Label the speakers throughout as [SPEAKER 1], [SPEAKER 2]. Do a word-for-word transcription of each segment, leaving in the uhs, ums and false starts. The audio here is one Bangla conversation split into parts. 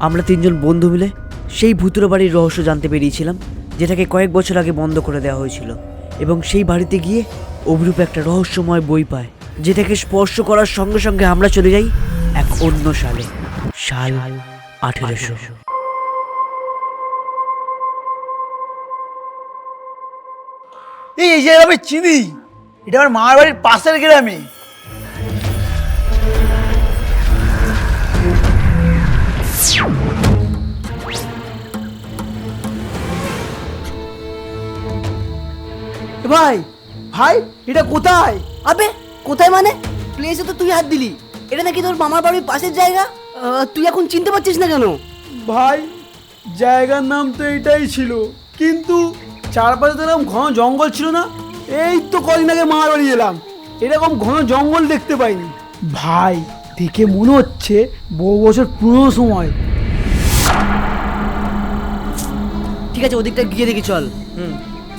[SPEAKER 1] আমরা তিনজন বন্ধু মিলে সেই ভুতুড়ে বাড়ির রহস্য জানতে পেরিয়েছিলাম, যেটাকে কয়েক বছর আগে বন্ধ করে দেওয়া হয়েছিল। এবং সেই বাড়িতে গিয়ে অভিরূপ একটা রহস্যময় বই পায়, যেটাকে স্পর্শ করার সঙ্গে সঙ্গে আমরা চলে যাই এক অন্য সালে, সাল আঠেরোশো।
[SPEAKER 2] এই এই যে আমি চিনি, এটা আমার মামার বাড়ির পাশের গ্রামে। ভাই ভাই এটা কোথায়?
[SPEAKER 3] আবে কোথায় মানে? প্লেসে তো তুই হাত দিলি। এটা নাকি তোর মামার বাড়ির পাশের জায়গা। আহ, তুই এখন চিনতে পারছিস না কেন?
[SPEAKER 2] ভাই জায়গার নাম তো এটাই ছিল, কিন্তু চারপাশে তো এরকম ঘন জঙ্গল ছিল না। এই তো কদিন আগে মামার বাড়ি এলাম, এরকম ঘন জঙ্গল দেখতে পাইনি। ভাই দেখে মনে হচ্ছে বহু বছর পুরনো সময়।
[SPEAKER 3] ঠিক আছে, ওদিকটা গিয়ে দেখি চল।
[SPEAKER 1] হুম।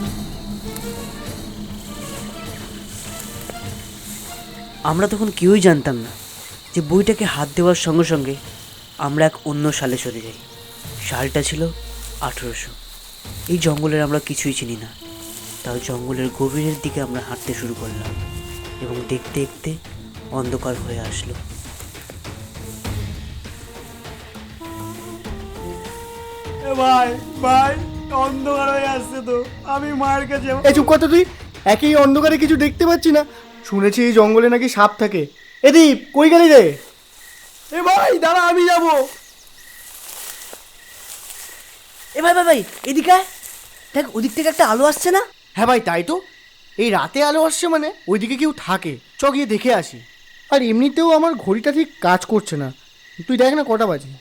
[SPEAKER 1] আমরা তখন কেউই জানতাম না যে বইটাকে হাত দেওয়ার সঙ্গে সঙ্গে আমরা এক অন্য সালে চলে যাই। সালটা ছিল আঠেরোশো। এই জঙ্গলের আমরা কিছুই চিনি না, তাও জঙ্গলের গভীরের দিকে আমরা হাঁটতে শুরু করলাম এবং দেখতে দেখতে অন্ধকার হয়ে আসলো।
[SPEAKER 2] ভাই ভাই অন্ধকার হয়ে আসছে তো, আমি মায়ের কাছে।
[SPEAKER 4] এই চুপ কর তো তুই, একই অন্ধকারে কিছু দেখতে পাচ্ছি না। শুনেছি এই জঙ্গলে নাকি সাপ থাকে। এ দীপ, কই গেলি রে?
[SPEAKER 2] এ ভাই দাঁড়া, আমি যাবো।
[SPEAKER 3] এ ভাই ভাই ভাই এদিকে আয়। দেখ ওদিক থেকে একটা আলো আসছে না?
[SPEAKER 4] হ্যাঁ ভাই, তাই তো। এই রাতে আলো আসছে মানে ওইদিকে কেউ থাকে। চ গিয়ে দেখে আসি। আর এমনিতেও আমার ঘড়িটা ঠিক কাজ করছে না। তুই দেখ না কটা বাজে।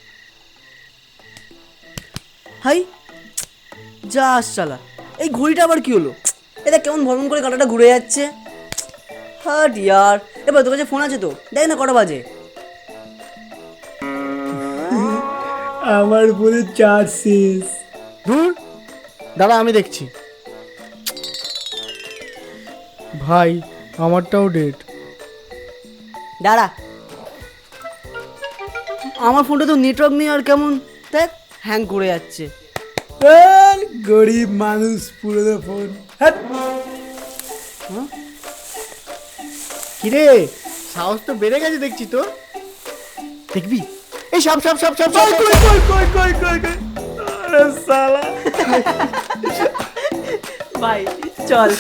[SPEAKER 3] হাই যা চালা, এই ঘড়িটা আবার কি হলো? এটা কেমন ভ্রমণ করে কাঁটাটা ঘুরে যাচ্ছে। হাট ইয়ার। এবার তোর কাছে ফোন আছে তো, দেখ না কটা বাজে।
[SPEAKER 2] আমার ফোনে চার্জ শেষ।
[SPEAKER 4] দূর দাঁড়া, আমি দেখছি। ভাই আমারটাও ডেট।
[SPEAKER 3] দাঁড়া, আমার ফোনটা তো নেটওয়ার্ক নেই আর কেমন দেখ হ্যাং করে যাচ্ছে।
[SPEAKER 2] গরিব মানুষ, পুরনো ফোন। হ্যাঁ
[SPEAKER 4] কিরে, সাহস তো বেড়ে গেছে দেখছি তো। দেখবি এই সাপ সাপ সাপ সাপ সাপ, সাপ, সাপ।
[SPEAKER 2] কই কই কই কই কই আরে শালা।
[SPEAKER 3] ভাই চল।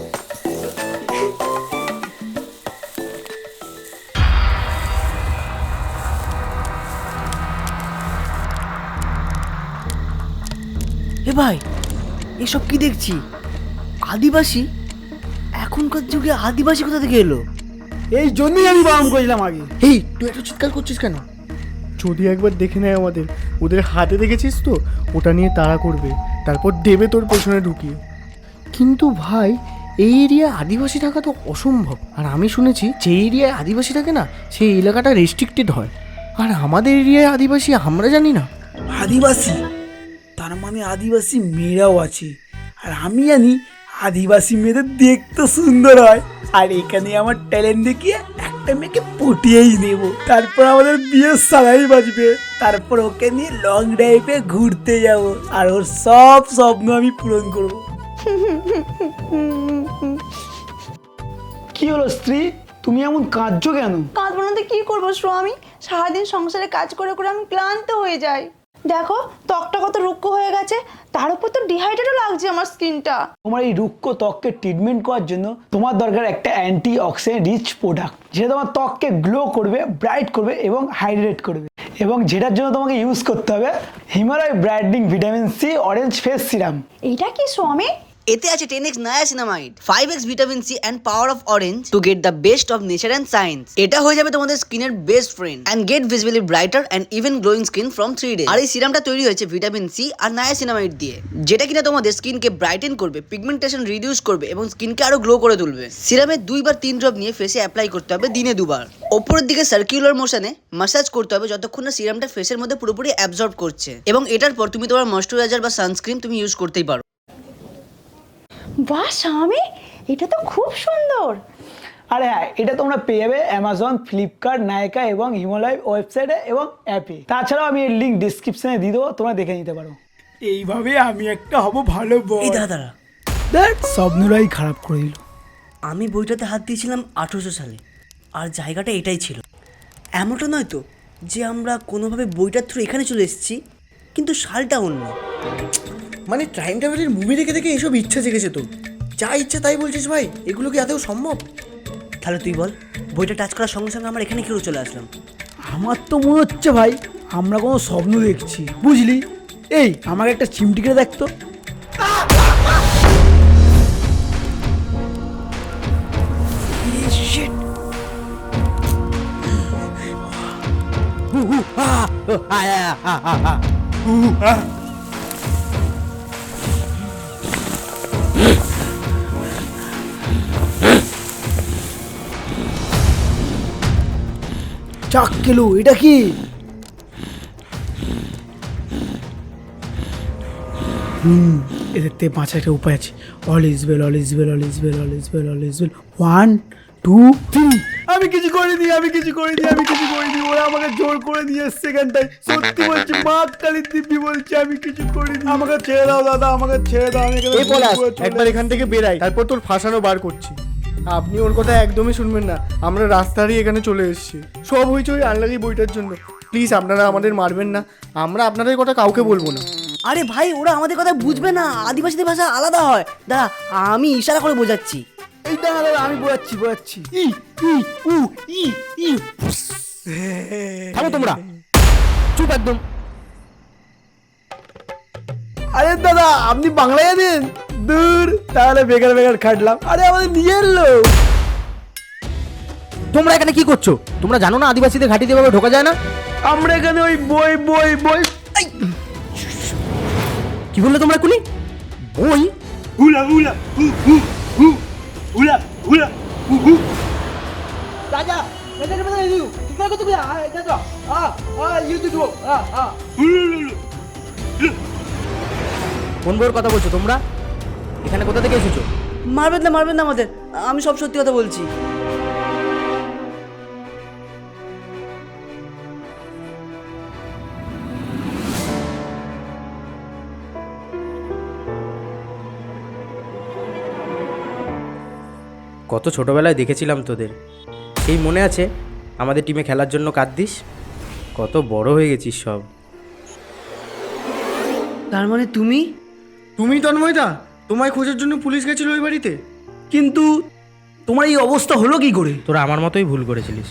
[SPEAKER 3] এ ভাই এসব কি দেখছি? আদিবাসী? এখনকার যুগে আদিবাসী কোথা থেকে এলো?
[SPEAKER 2] এই জন্যই আমি বারণ করেছিলাম আগে।
[SPEAKER 4] এই তুই একটু চিৎকার করছিস কেন? যদি একবার দেখে নেয় আমাদের, ওদের হাতে দেখেছিস তো, ওটা নিয়ে তাড়া করবে, তারপর দেবে তোর পেছনে ঢুকিয়ে। কিন্তু ভাই এই এরিয়ায় আদিবাসী থাকা তো অসম্ভব। আর আমি শুনেছি যে এরিয়ায় আদিবাসী থাকে না, সেই এলাকাটা রেস্ট্রিক্টেড হয়। আর আমাদের এরিয়ায় আদিবাসী আমরা জানি না।
[SPEAKER 2] আদিবাসী তার মানে আদিবাসী মেয়েরাও আছে, আর আমি জানি আদিবাসী মেয়েদের দেখতে সুন্দর হয়। আর এখানে আমার ট্যালেন্ট দেখিয়ে একটা মেয়েকে পটিয়েই নেব, তারপর আমাদের বিয়ের সারাই বাজবে, তারপর ওকে নিয়ে লং ড্রাইভে ঘুরতে যাব, আর ওর সব স্বপ্ন আমি পূরণ করব। কি হলো স্ত্রী, তুমি এমন কাঁদছো কেন?
[SPEAKER 5] কাঁদবো না তো কি করবো স্বামী? সারাদিন সংসারে কাজ করে করে আমি ক্লান্ত হয়ে যাই। দেখো ত্বকটা কত রুক্ষ হয়ে গেছে, তার উপর তো ডিহাইড্রেটও লাগছে আমার স্কিনটা।
[SPEAKER 2] তোমার এই রুক্ষ ত্বককে ট্রিটমেন্ট করার জন্য তোমার দরকার একটা অ্যান্টি অক্সিডেন্ট রিচ প্রোডাক্ট, যেটা তোমার ত্বককে গ্লো করবে, ব্রাইট করবে এবং হাইড্রেট করবে। এবং যেটার জন্য তোমাকে ইউজ করতে হবে Himalaya brightening vitamin C orange face serum.
[SPEAKER 5] এটা কি স্বামী?
[SPEAKER 3] এতে আছে ten X niacinamide, five X vitamin C and power of orange to get the best of nature and science. এটা হয়ে যাবে তোমাদের স্কিনের best friend and get visibly brighter and even glowing skin from three days. আর এই সিরামটা তৈরি হয়েছে ভিটামিন সি আর নায়াসিনামাইড দিয়ে, যেটা কিনা তোমাদের স্কিনকে ব্রাইটেন করবে, পিগমেন্টেশন রিডিউস করবে এবং স্কিনকে আরো গ্লো করে তুলবে। সিরামে দুই বা তিন ড্রপ নিয়ে ফেসে অ্যাপ্লাই করতে হবে দিনে দুবার। ওপরের দিকে সার্কুলার মোশনে ম্যাসাজ করতে হবে যতক্ষণ না সিরামটা ফেসের মধ্যে পুরোপুরি অ্যাবজর্ব করছে, এবং এটার পর তুমি তোমার ময়েশ্চারাইজার বা সানস্ক্রিন তুমি ইউজ করতেই পারো।
[SPEAKER 5] বাহ স্বামী, এটা তো খুব সুন্দর।
[SPEAKER 2] আরে হ্যাঁ, এটা তোমরা পেয়ে যাবে অ্যামাজন, ফ্লিপকার্ট, নায়কা এবং হিমালয় ওয়েবসাইটে এবং অ্যাপে। তাছাড়াও আমি এর লিঙ্ক ডিসক্রিপশনে দিয়ে দেবো, তোমরা দেখে নিতে পারো। এইভাবে আমি একটা হব ভালো বই।
[SPEAKER 1] এই দাদা দাঁড়া,
[SPEAKER 2] দেখ স্বপ্নরাই খারাপ করে দিল।
[SPEAKER 1] আমি বইটাতে হাত দিয়েছিলাম আঠেরোশো সালে, আর জায়গাটা এটাই ছিল। এমনটা নয় তো যে আমরা কোনোভাবে বইটার থ্রু এখানে চলে এসেছি, কিন্তু সালটা অন্য।
[SPEAKER 4] মানে টাইম ট্রাভেলের মুভি দেখে দেখে এসব ইচ্ছা জেগেছে তো, যা ইচ্ছা তাই বলছিস ভাই, এগুলো কি আদৌ সম্ভব?
[SPEAKER 1] তাহলে তুই বল, বইটা টাচ করার সঙ্গে সঙ্গে আমরা এখানে কেউ চলে আসলাম।
[SPEAKER 2] আমার তো মনে হচ্ছে ভাই আমরা কোনো স্বপ্ন দেখছি, বুঝলি? এই আমাকে একটা চিমটি করে দেখতো। চাক কেলো, এটা কি? হুম এদের থেকে বাঁচার একটা উপায় আছে। All is well, all is well, all is well, all is well, all is well. One two three. আমি কিছু করিনি, আমি কিছু করিনি, আমি কিছু করিনি। ওরা আমাকে জোর করে নিয়ে এসছে এখানটায়। সত্যি বলছি, মা কালীর দিব্যি বলছে আমি কিছু করিনি। আমাকে ছেড়ে দাও দাদা, আমাকে ছেড়ে দাও। আমি এখানে
[SPEAKER 4] এই পলাশ,
[SPEAKER 2] ঘুরে চলে
[SPEAKER 4] একবার এখান থেকে বেরাই, তারপর তোর ফাঁসানো বার করছি। আপনি ওর কথা একদমই শুনবেন না, আমরা রাস্তারই এখানে চলে এসেছি। সব হয়েছে ওই আনলাকি বইটার জন্য। প্লিজ আপনারা আমাদের মারবেন না, আমরা আপনাদের কথা কাউকে বলবো না।
[SPEAKER 1] আরে ভাই, ওরা আমাদের কথা বুঝবে না, আদিবাসীদের ভাষা আলাদা হয়। দাঁড়া, আমি ইশারা করে বোঝাচ্ছি।
[SPEAKER 2] এই দাঁড়া দাঁড়া, আমি বোঝাচ্ছি বোঝাচ্ছি। ই ই উ ই ই।
[SPEAKER 4] থামো তোমরা, চুপ একদম।
[SPEAKER 2] আরে দাদা, আপনি বাংলায় জানেন? দূর, তাহলে বেকার বেকার খাটলাম। আরে আমাদের নিজের লোক।
[SPEAKER 6] তোমরা এখানে কি করছো? তোমরা জানো না আদিবাসীদের ঘাঁটিতে এভাবে ঢোকা যায় না?
[SPEAKER 2] আমরা এখানে ওই বই বই বই।
[SPEAKER 6] কি বললে তোমরা কুলি? বই?
[SPEAKER 2] হুলা হুলা হু হু হু হুলা হুলা হু হু। রাজা, রাজা কে বলে দিও। কি করে কত গুলা? এটা তো আ আ ইউ টু ডু আ আ।
[SPEAKER 6] কোন বইয়ের কথা বলছো তোমরা? এখানে কোথা থেকে এসেছো?
[SPEAKER 1] মারবেন না, মারবেন না আমাদের, আমি সব সত্যি কথা বলছি।
[SPEAKER 6] কত ছোটবেলায় দেখেছিলাম তোদের, সেই মনে আছে? আমাদের টিমে খেলার জন্য কাঁদদিস। কত বড় হয়ে গেছিস সব।
[SPEAKER 1] তার মানে তুমি?
[SPEAKER 4] তুমি তন্ময়দা, তোমায় খোঁজার জন্য পুলিশ গেছিল ওই বাড়িতে।
[SPEAKER 2] কিন্তু তোমার এই অবস্থা হলো কি করে?
[SPEAKER 6] তোরা আমার মতোই ভুল করেছিলিস।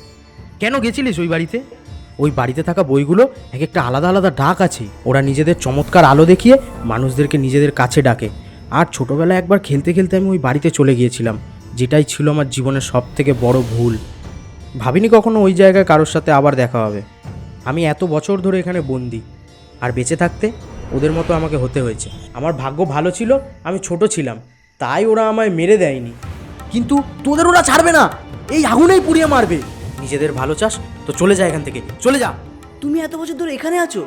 [SPEAKER 6] কেন গেছিলিস ওই বাড়িতে? ওই বাড়িতে থাকা বইগুলো এক একটা আলাদা আলাদা ডাক আছে। ওরা নিজেদের চমৎকার আলো দেখিয়ে মানুষদেরকে নিজেদের কাছে ডাকে। আর ছোটবেলায় একবার খেলতে খেলতে আমি ওই বাড়িতে চলে গিয়েছিলাম, যেটাই ছিল আমার জীবনের সব থেকে বড় ভুল। ভাবিনি কখনো ওই জায়গায় কারোর সাথে আবার দেখা হবে। আমি এত বছর ধরে এখানে বন্দি, আর বেঁচে থাকতে ওদের মতো আমাকে হতে হয়েছে। আমার ভাগ্য ভালো ছিল, আমি ছোট ছিলাম, তাই ওরা আমায় মেরে দেয়নি। কিন্তু তোদের ওরা ছাড়বে না, এই আগুনেই পুড়িয়ে মারবে। নিজেদের ভালো চাস তো চলে যা এখান থেকে, চলে যা।
[SPEAKER 1] তুমি এত বছর ধরে এখানে আছো,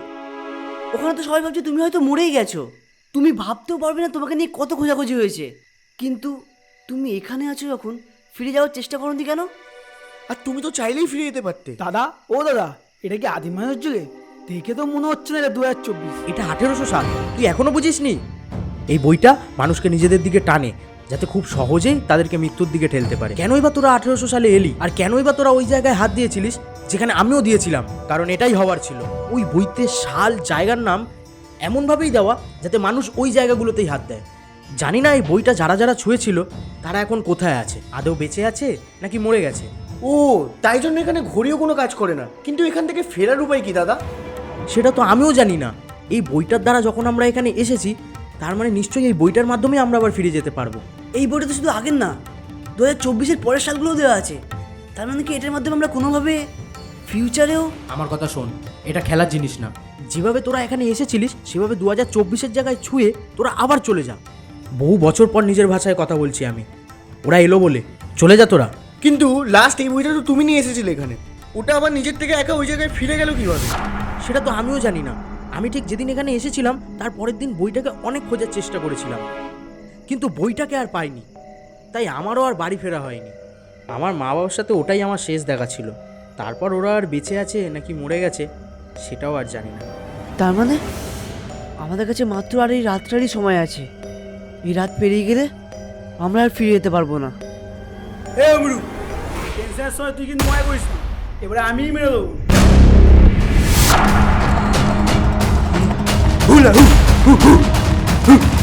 [SPEAKER 1] ওখানে তো সবাই ভাবছে তুমি হয়তো মরেই গেছো। তুমি ভাবতেও পারবে না তোমাকে নিয়ে কত খোঁজাখুঁজি হয়েছে। কিন্তু তুমি এখানে আছো যখন, ফিরে যাওয়ার চেষ্টা করনি কেন?
[SPEAKER 4] আর তুমি তো চাইলেই ফিরে যেতে পারতে।
[SPEAKER 2] দাদা, ও দাদা, এটা কি আদিম মানুষ যুগে? দেখে তো মনে হচ্ছে না এটা দু হাজার চব্বিশ।
[SPEAKER 6] এটা আঠেরোশো সাল, তুই এখনো বুঝিসনি? এই বইটা মানুষকে নিজেদের দিকে টানে, যাতে খুব সহজেই তাদেরকে মৃত্যুর দিকে ঠেলতে পারে। কেনই বা তোরা আঠেরোশো সালে এলি, আর কেনই বা তোরা ওই জায়গায় হাত দিয়েছিলিস যেখানে আমিও দিয়েছিলাম? কারণ এটাই হওয়ার ছিল। ওই বইতে সাল, জায়গার নাম এমনভাবেই দেওয়া যাতে মানুষ ওই জায়গাগুলোতেই হাত দেয়। জানি না এই বইটা যারা যারা ছুঁয়েছিল তারা এখন কোথায় আছে, আদৌ বেঁচে আছে নাকি মরে গেছে।
[SPEAKER 4] ও, তাই জন্য এখানে ঘড়িও কোনো কাজ করে না। কিন্তু এখান থেকে ফেরার উপায় কি দাদা?
[SPEAKER 6] সেটা তো আমিও জানি না। এই বইটার দ্বারা যখন আমরা এখানে এসেছি, তার মানে নিশ্চয়ই এই বইটার মাধ্যমে আমরা আবার ফিরে যেতে পারবো।
[SPEAKER 1] এই বইটা তো শুধু আগের না, দু হাজার চব্বিশের পরের সালগুলোও দেওয়া আছে। তার মানে কি এটার মাধ্যমে আমরা কোনোভাবে ফিউচারেও?
[SPEAKER 6] আমার কথা শোন, এটা খেলার জিনিস না। যেভাবে তোরা এখানে এসেছিলিস সেভাবে দু হাজার চব্বিশের জায়গায় ছুঁয়ে তোরা আবার চলে যা। বহু বছর পর নিজের ভাষায় কথা বলছি আমি। ওরা এলো বলে চলে যা তোরা।
[SPEAKER 4] কিন্তু লাস্ট এই বইটা তো তুমি নিয়ে এসেছিলে এখানে, ওটা আবার নিজের থেকে একা ওই জায়গায় ফিরে গেল কিভাবে?
[SPEAKER 6] সেটা তো আমিও জানি না। আমি ঠিক যেদিন এখানে এসেছিলাম তার পরের দিন বইটাকে অনেক খোঁজার চেষ্টা করেছিলাম, কিন্তু বইটাকে আর পাইনি। তাই আমারও আর বাড়ি ফেরা হয়নি। আমার মা বাবার সাথে ওটাই আমার শেষ দেখা ছিল। তারপর ওরা আর বেঁচে আছে নাকি মরে গেছে সেটাও আর জানি না।
[SPEAKER 1] তার মানে আমাদের কাছে মাত্র আর এই রাতটারই সময় আছে। এই রাত পেরিয়ে গেলে আমরা আর ফিরে যেতে পারবো না।
[SPEAKER 2] এ অমরু, টেনশনের সময় তুই কিন্তু মনে করিস না, এবারে আমিই মেরে দেবো। হুলা হু হু হু হু।